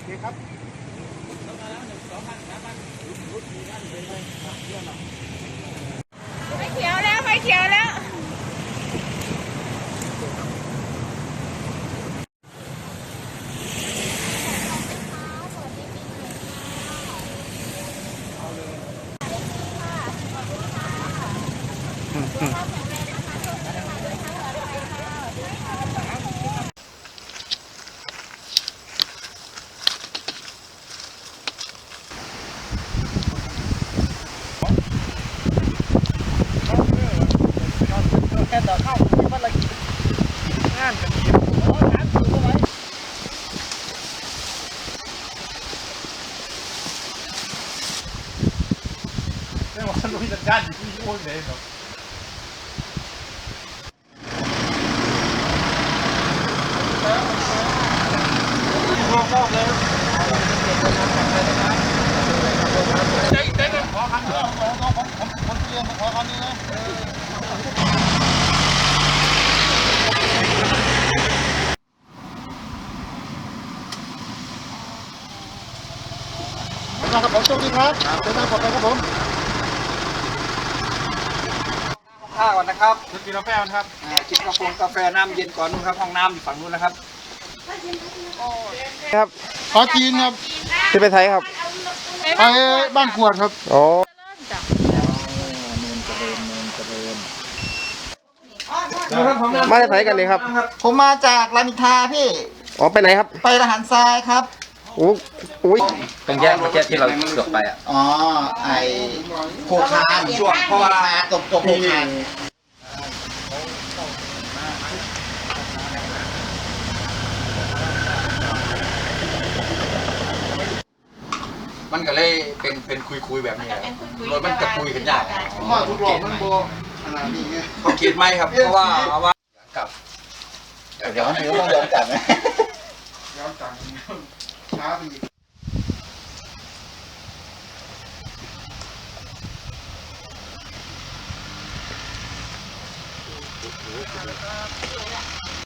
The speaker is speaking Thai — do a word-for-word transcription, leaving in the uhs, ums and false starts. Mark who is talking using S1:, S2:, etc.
S1: เคครับ
S2: ไฟเขียวแล้วไฟเขียวแล้ว
S1: แค่ต่อเข้าที่มันละงานกันดีโอ้งานคืออะไรไม่ว่าลุยจัดการอยู่ที่โอ้ยเลยเนาะรวมรอบเลยเจ๊เจ๊ขอคำเดียวผมผมผมผมเรียนมาขอคำนี้นะครับผมโชคดีครับเดินทางปลอดภัยครับผม
S3: ข้าวก่อนนะครับ
S1: ชุดกินกาแฟครับ
S3: กินกาแฟกาแฟน้ำเย็นก่อนนู่นครับห้องน้ำอยู่ฝั่งนู้นนะครับ
S4: ครับ
S1: ขอจีนครับ
S4: ที่ไปไทยครับ
S1: ไปบ้านขวดครับ
S4: อ๋อมาจากไทยกันเลยครับ
S5: ผมมาจากรามอินทราพี่
S4: อ๋อไปไหนครับ
S5: ไปทหารทรายครับ
S4: โอ้อุ้ย
S3: ตรงแยกเมื่อกี้ที่เราเกือบไปอ่ะ
S5: อ๋อ ไอโคคานช่วงโคคานตกตกโคคาน
S3: มันก็เลยเป็นเป็นคุยคุยแบบนี้รถมันจะคุยกันยาก
S1: ว่าทุกหลอกมันโบขนาดนี้ไง
S3: เขาคิดไหมครับเพราะว่าเอาว่ากับ
S5: เดี๋ยวเดี๋ยวต้องย้อนกลับนะ
S1: ย้อนจังช้าไปอีก